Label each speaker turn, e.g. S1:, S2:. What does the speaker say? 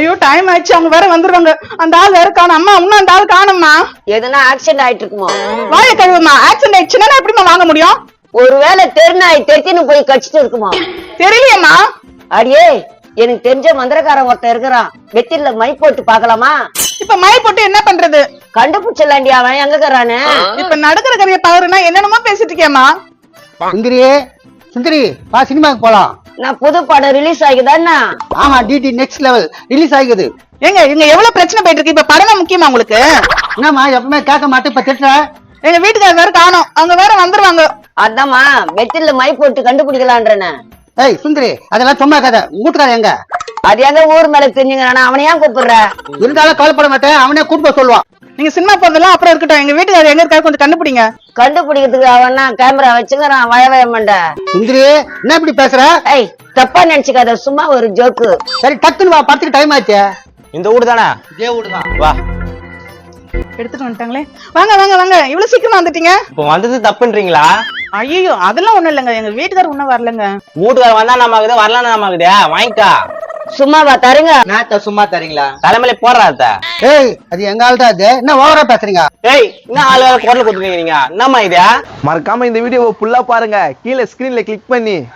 S1: ஐயோ டைம் ஆயிடுச்சு, அவங்க வேற வந்துருவாங்க. அந்த ஆள் வேற காணும். அம்மா இன்னும் அந்த ஆள் காணும்மா.
S2: எதுனா ஆக்சிடென்ட் ஆயிட்டு இருக்குமோ?
S1: வாய கழுவுமா. ஆக்சிடென்ட் ஆயிடுச்சுன்னா எப்படிமா வாங்க முடியும்?
S2: ஒருவேளை தெருநாய் தெத்தின்னு போய் கடிச்சிட்டு இருக்குமா?
S1: தெரியலையம்மா.
S2: அடியே, எனக்கு தெரிஞ்ச மந்திரக்காரன் ஒருத்தன் இருக்கிறான். வெத்தில மை போட்டு பாக்கலாமா?
S1: இப்ப மை போட்டு என்ன பண்றது?
S2: கண்டுபிடிச்சலாண்டி அவன் எங்க இருக்கிறானு.
S1: இப்ப நடக்கிற கதையை பாருன்னா என்னென்னமோ பேசிட்டு இருக்கேம்மா.
S3: சுந்தரி சுந்தரி வா, சினிமாக்கு போலாம்.
S2: நான் புது படம் ரிலீஸ் ஆகிதானா?
S3: ஆமா, டிடி நெக்ஸ்ட் லெவல் ரிலீஸ் ஆகிக்குது.
S1: எங்க இங்க எவ்வளவு பிரச்சனை போயிட்டு இருக்கு. இப்ப படம் முக்கியமா உங்களுக்கு?
S3: என்னம்மா எப்பவுமே கேட்க மாட்டேன், இப்ப திட்டுற.
S1: எங்க வீட்டுக்காரர் வேற காணும். அவங்க வேற வந்துருவாங்க.
S2: அதாம்மா வெத்தில மை போட்டு கண்டுபிடிக்கலான்றன.
S3: ஏய் சுந்தரி, அதெல்லாம் சும்மா கதை. வீட்டுக்கார எங்க?
S2: அது எங்க ஊர் மேல தெரிஞ்சுங்க, அவனையா கூப்பிடுற?
S3: இருந்தாலும் கவலைப்பட மாட்டேன், அவனே கூட்டு சொல்லுவான்.
S1: நீங்க சினிமா போறதெல்லாம் அப்புறம் இருக்கட்டும். எங்க வீட்டுக்காரர் எங்க இருக்காரு கொஞ்சம் கண்டுபிடிங்க.
S2: கண்டுபிடிக்கிறதுக்கு அவனா கேமரா வச்சுக்கிறான். வய மண்ட.
S3: சுந்தரி என்ன இப்படி பேசுற?
S2: ஏய், தப்பா நினைச்சுக்காத, சும்மா ஒரு ஜோக்கு.
S3: சரி டக்குன்னு வா, பத்துக்கு டைம் ஆச்சு.
S4: இந்த ஊடு தானே?
S3: இதே வீடுதான்.
S4: வா.
S1: எடுத்துட்டு வந்துட்டாங்களே. வாங்க வாங்க வாங்க, இவ்வளவு சீக்கிரமா வந்துட்டீங்க.
S4: இப்போ வந்தது தப்புன்றீங்களா?
S1: ஐயோ அதெல்லாம் ஒண்ணும் இல்லைங்க. எங்க வீட்டுக்காரர் ஒண்ணும் வரலங்க.
S4: வீட்டுக்கார வந்தா நமக்குது, வரலாம் நமக்குது. வாங்கிக்கா.
S2: சும்மாவா தருங்க?
S3: நேத்த சும்மா தரீங்களா?
S4: தலைமையில போடுறாத்த.
S3: ஏய் அது எங்க ஆள் தான். அது என்ன ஓவரா பேசுறீங்க?
S4: ஏய், என்ன ஆளு குரல் கொடுத்துருக்கீங்க? என்னம்மா இது?
S5: மறக்காம இந்த வீடியோவை ஃபுல்லா பாருங்க. கீழே ஸ்கிரீன்ல கிளிக் பண்ணி